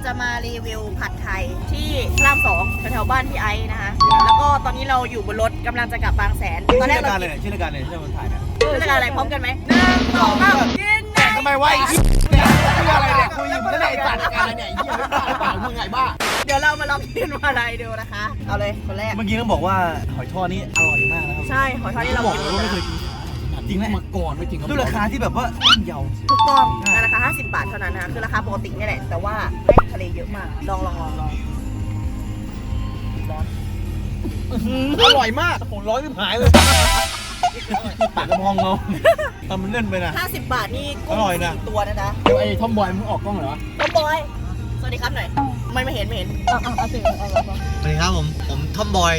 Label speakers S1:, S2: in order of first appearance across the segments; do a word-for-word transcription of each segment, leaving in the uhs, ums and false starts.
S1: จะมารีวิวผัดไทยที่พระรามสองแถวๆบ้านพี่ไอซ์นะคะแล้วก็ตอนนี้เราอยู่บนรถกำลังจะกลับบางแสนตอนแรกเรากิน
S2: ชื่อรายการเลยชื่อรายการเลยที่จะมาถ่ายนะ
S1: ชื่อรายการอะไรพร้อมกันไหมหนึ่งสองสามกินไง
S2: ทำไมวะไอ้เนี่ยชื่ออะไรเนี่ยคุยอยู่ไม่ได้จัดการเนี่ยไอ้เหี้ยไม่บ้าหรือเปล่ามึงไงบ้า
S1: เดี๋ยวเรามาลองกินอะไรดูนะคะเอาเลยคนแรก
S2: เมื่อกี้ต้องบอกว่าหอยทอดนี่อร่อยมากนะครับ
S1: ใช่หอยทอดที่เรา
S2: บอก
S1: กิน
S2: เลยว่าไม่เคยกินจริงไหมมาก่อนไม่จริงด้วยราคาที่แบบว่าเยา
S1: ถูกต้องในราคาห้าสิบบาทเท่านั้นนะคะคือราคาปกตินี่แหละแต่ว่าให้ทะเลเยอะมากลองลองลองลองร้อน
S2: อร่อยมากผมร้อนที่หายเลยปากกระพองเราทำมันเล่นไปนะ
S1: ห้าสิบบาทนี่กุ้งสี่ตัวนะนะ
S2: เดี๋ยวไอ้ทอมบอยมึงออกกล้องเหรอ
S1: ทอมบอยสวัสดีครับหน่อยไม่ไม่เห็นไม่เห็นอ่ะอ่ะเอาสิเอาเอา
S2: สวัสดีครับผมผมทอมบอย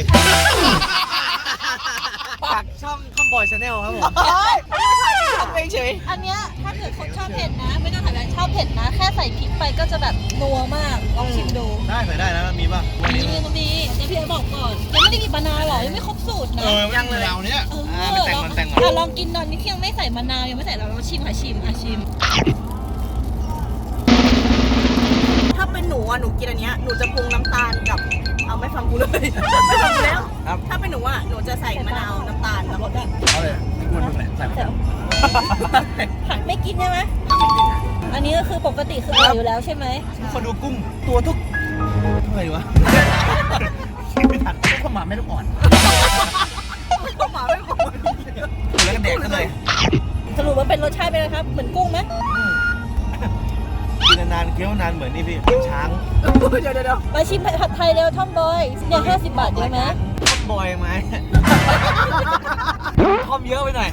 S2: จากช่องทอมบอยชาแนลครับผม
S1: ไม่เฉย
S3: อันเนี้ยถ้าเกิดคนชอบเผ็ดนะไม่ต้องถ่ายแบบชอบเผ็ดนะแค่ใส่พริกไปก็จะแบบนัวมากลองชิมดู
S2: ได้ใส่ได้นะมีป่ะ
S3: วันนี้ก็มีเดี๋ยวพี่ไอ้บอกก่อนยังไม่ได้กินมะนาวหรอยังไม่ครบสูตรนะ
S2: ยังเลยเราเนี้ย
S3: เออแต่งมันแต่งมันลองกินตอนนี้ที่ยังไม่ใส่มะนาวยังไม่ใส่เราลองชิมค่ะชิมอ่ะชิม
S1: ถ้าเป็นหนูอ่ะหนูกินอันเนี้ยหนูจะปรุงน้ำตาลกับเอาไม่ฟังกูเลยไม่ฟังกูแล้วถ้าเป็นหนูอ่ะหนูจะใส่มะนาวน้ำตาลแล้วก็แบบ
S2: เอาเลยไม่ควรดูแหละใส่
S3: ไม่กินใช่ไหมอันนี้ก็คือปกติคืออร่อยอยู่แล้วใช่ไหม
S2: คนดูกุ้งตัวทุกเท่าไหร่วะไม่ทันข้าวหมาไม่ต้องอ่อน
S1: ข้าวหมาไม่ต้องอ่อน
S2: แล้วก็แดกกันเลย
S3: สรุปว่าเป็นรสชาติเป็นไงครับเหมือนกุ้งไหม
S2: กินนานเคี้ยวนานเหมือนนี่พี่ช้าง
S1: เดี๋ยวเดี๋ยว
S3: มาชิมผัดไทยเร็วท่อมบอยเนี่ยห้าสิบบาทเยอะไหม
S2: ท่อมบอยไหมท่อมเยอะไปหน่อย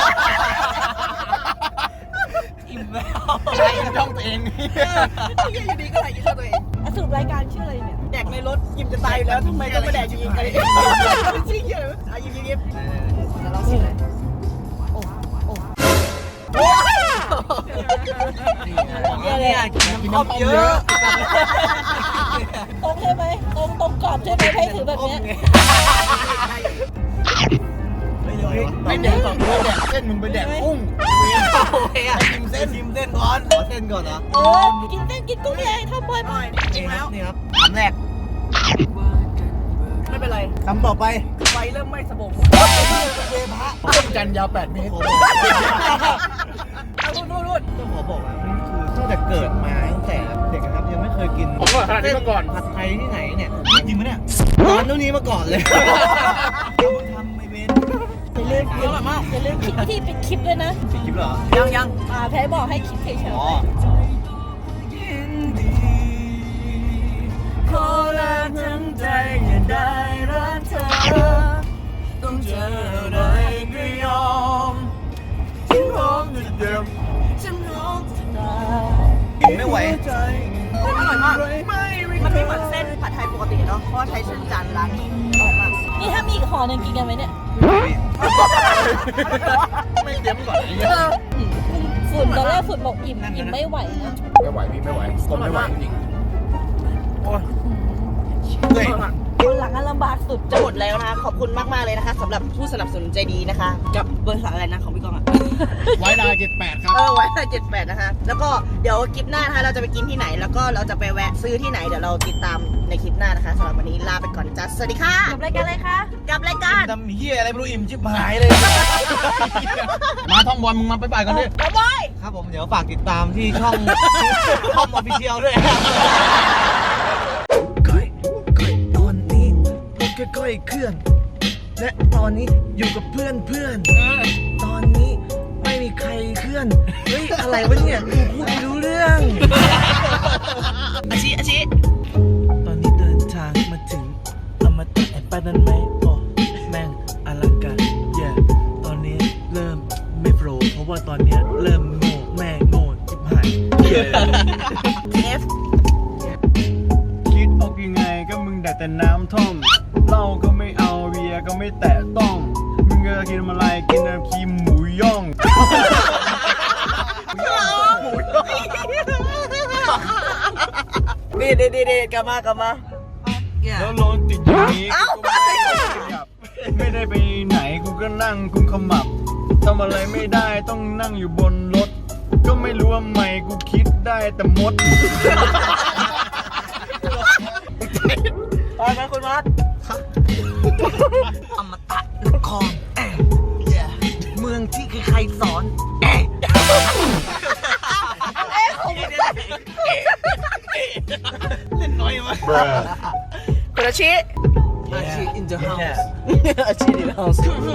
S2: อิ่มแล้วใช่ช่องตัวเอง
S1: ยังอยู่ดีก็ไหลกินช่องตัวเอง
S3: สรุปรายการชื่ออะไรเนี่ย
S1: แดกในรถยิ้มจะตายอยู่แล้วทำไมต้องมาแดกยิงกันเลยชี้เยอะอ่ะยิ้มยิ้มยิ้มแล้วเราชิมเลยโอ้โอ้
S2: เนี่ยกินน้ำเยอะ
S3: ตรงใช่ไหมตรงตรงกรอบใช่ไหมให้ถือแบบนี้
S2: ไม่แดกสองตัวแดกเส้นมึงไปแดกกุ้งชิมเส้นชิมเส้นก่อนขอเส้นก่อนเหรอ
S3: เออกินเส้นกินกุ้งเลยทำบ่อยบ่อย
S1: จริงแล้ว
S2: นี่ครับคำแรก
S1: ไม่เป็นไร
S2: คำต่อไป
S1: ไฟเริ่มไม่สบง
S2: เวพระต้นกันยาวแปดเมตร
S1: เอารูดรูด
S2: ต้องขอบอกว่าคือตั้งแต่เกิดมาตั้งแต่เด็กนะครับยังไม่เคยกิน
S4: ผมก็ทานนี้มาก่อน
S2: ผัดไทยที่ไหนเนี่ยจริงไหมเนี่ยตอนนู้นนี้มาก่อนเลยทำไม่เป็น
S3: อย่าลืมอย่าลืมอย่าลืมคลิปที่เป็นคลิปด้วยนะ
S2: เป็นคลิปเหรอ
S1: ยังยัง
S3: อ่าแพ้บอกให้คลิปเฉยๆ
S2: อ๋อ
S1: ขอลาทั้งใจอย่าได้รักเธอต้องเจออะไรก็ยอมฉันพร้อมจะเดิมฉันพร้อมจะตาย
S2: ไม่ไหว
S1: อร่อยมากมันไม่เหมือนเส้นผัดไทยปกติเนาะเพราะใช้เส้นจันทร์ร้านนี้อร่อยมาก
S3: นี่ถ้ามีอีกห่อหนึ่งกินกันไหมเนี่ย
S2: ไม่เตรียมก่อน
S3: ฝุ่นตอนแรกฝุ่นบอกอิ่มอิ่มไม่ไหวนะ
S4: ไม่ไหวพี่ไม่ไหวผมไม่ไหวจริง
S2: โอ้ยเฮ้ย
S3: คนหลังลำบากสุด
S1: จะหมดแล้วนะคะขอบคุณมากๆเลยนะคะสำหรับผู้สนับสนุนใจดีนะคะกับบริษัทอะไรนะของพี่กองอ่ะ
S4: ไว้ลาเจ็ดแปดครับ
S1: เออไว้ลาเจ็ดแปดนะคะแล้วก็เดี๋ยวคลิปหน้านะคะเราจะไปกินที่ไหนแล้วก็เราจะไปแวะซื้อที่ไหนเดี๋ยวเราติดตามในคลิปหน้านะคะสำหรับวันนี้ลาไปก่อนจ้าสวัสดีค่ะ
S3: กับรายการอะไรคะ
S1: กับรายการ
S2: ทำเหี้ยอะไรไม่รู้อิ่มชิบหายเลย
S4: มาท่องบอลมึงมาไปบ่ายกันดิ
S1: บ๊ายบาย
S2: ครับผมเดี๋ยวฝากติดตามที่ช่องช่องออฟฟิเชียลด้วยค่อยๆเคลื่อนและตอนนี้อยู่กับเพื่อนเพื่อนตอนนี้ไม่มีใครเคลื่อนเฮ้ยอะไรวะเนี่ยกูพูดไม่รู้เรื่อง
S1: อาชิอาชิ
S2: ตอนนี้เดินทางมาถึงอมตะแอนปานันไหมโอ้แม่งอลังการเย่ตอนนี้เริ่มไม่โปรเพราะว่าตอนนี้เริ่มโง่แม่โง่จิบหาย
S1: เอฟ
S4: คิดออกยังไงก็มึงแต่แต่น้ำท่อมเหล้าก็ไม่เอาเบียร์ก็ไม่แตะต้องมึงจะกินอะไรกินน้ำครีมหมูย่อง
S1: ดีดีดีดีกลับมากลับมา
S4: แล้วรถติดอย่างนี้ไม่ได้ไปไหนกูก็นั่งกุมขมับทำอะไรไม่ได้ต้องนั่งอยู่บนรถก็ไม่รู้ว่าไม่กูคิดได้แต่มด
S2: เล่นน้อยมาก
S1: คุณอาชิ
S2: อาชี in the house
S1: อาชิในห้อง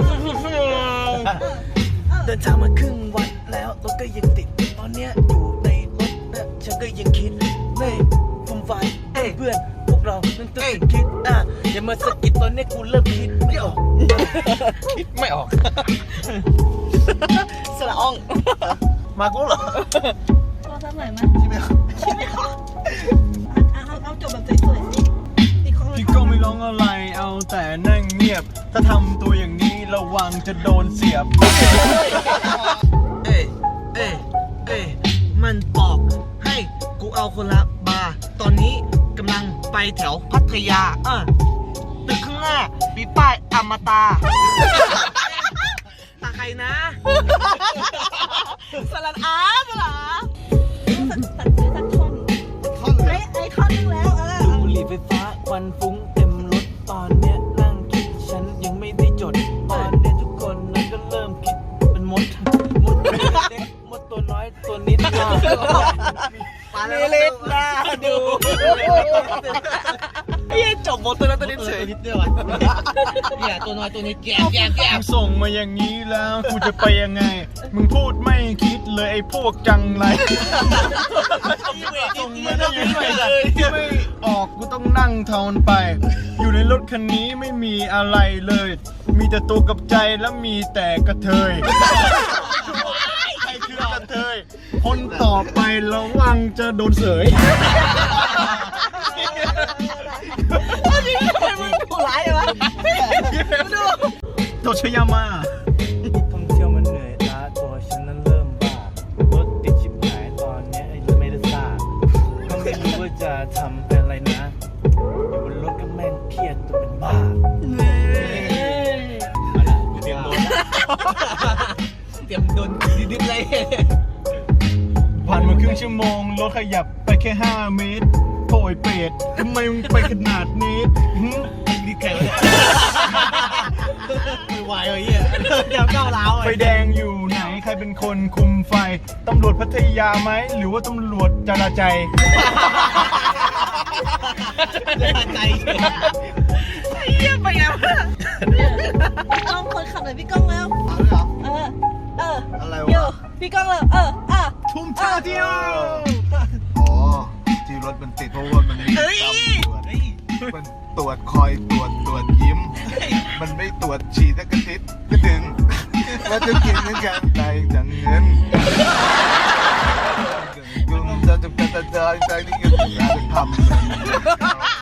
S2: เดินทางมาครึ่งวันแล้วรถก็ยังติดตอนเนี้ยอยู่ในรถนะฉันก็ยังคิดเฮ้ยฟุ่มไฟเอ้ยเพื่อนพวกเราต้องตื่นคิดอ่ะอย่ามาสะกิดตอนเนี้ยกูเริ่มคิดไม่ออก
S1: คิดไม่ออก สละอ่อง
S4: มากูเหรอ
S3: พอสักหน่อยไหม
S4: ที่ไม่
S3: คิดไม่ออกเอาเอาเอาจบแบบสวยๆสิอีกคนละ
S4: พี่ก็ไม่ร้องอะไรเอาแต่นั่งเงียบ ถ้าทำตัวอย่างนี้ระวังจะโดนเสียบ
S2: เอ้ยเอ้ยเอ้ยมันบอกให้กูเอาคนละบาร์ตอนนี้กำลังไปแถวพัทยาเออตึกข้างหน้ามีป้ายอมตะตาใครนะ
S3: สลัดอาสลัดอาตัดซื้อสักท่อนไอ้ไอ้ท่อนนึงแล้วเออ
S2: ดูบุหรี่ไฟฟ้าควันฟุ้งเต็มรถตอนเนี้ยนั่งคิดฉันยังไม่ได้จด ตอนเนี้ยทุกคนนั้นก็เริ่มคิดเป็นมด มดตัวเล็กมดตัวน้อยตัวนิดมาก
S1: เล็กนะดู เฮ้ยจบหมดตัวนั้นตัวนี้เฉย
S2: นิดเดียวอ่ะเนี่ยตัวน้อยตัวนิดแก่แก่แก่
S4: มึงส่งมาอย่างนี้แล้วกูจะไปยังไง มึงพูดไม่คิดเลยไอ้พวกจังไรส่งมาได้ยังไงไม่ออกกูต้องนั่งทอนไป อยู่ในรถคันนี้ไม่มีอะไรเลย มีแต่ตัวกับใจแล้วมีแต่กระเทยใครคือกระเทย คนต่อไประวังจะโดนเสย
S1: ทำไมมึงผู้ร้ายเลยวะดู
S4: โตชยามา
S2: ท่องเที่ยวมันเหนื่อยล้าตัวฉันนั้นเริ่มบ้ารถติดชิบหายตอนเนี้ยไอ้ไม่ได้ซ่าก็ไม่รู้ว่าจะทำอะไรนะ อยู่บนรถก็แม่งเครียดตัวเป็นบ้า
S1: เตรียมโดนเตรียมโดนดิบๆเลย
S4: ผ่านมาครึ่งชั่วโมง รถขยับไปแค่ห้าเมตรโอยเป็ดทำไมมึงไปขนาดนี้หึ
S1: นี่ใครวะไม่ไหวเลยเหี้ยเดี๋ยวก้าวร้าว
S4: ไฟแดงอยู่ไหน ใครเป็นคนคุมไฟ ตำรวจพัทยาไหม หรือว่าตำรวจจราใจ
S1: ใจเยี่ยมไปแล้ว
S3: พี่ก้องคนขับเลยพี่ก้องแล้ว
S4: เอาเลยเหรอ
S3: เออ เออ
S4: อะไร
S3: โยว
S4: ะ
S3: พี่ก้องแล้วเอออ่ะ
S4: ทุ่มท่าเที่ยว
S5: อ๋อ ที่รถมันติดเพราะว่ามันมีตำรวจมันตรวจคอยตรวจตรวจยิ้ม มันไม่ตรวจฉี่สักกระติดก็ดึงแล้วจะกินเหมือนกันได้จังเงินกุมจะจะจะจะจะจะนี่ก็ถึงแล้วจะทำ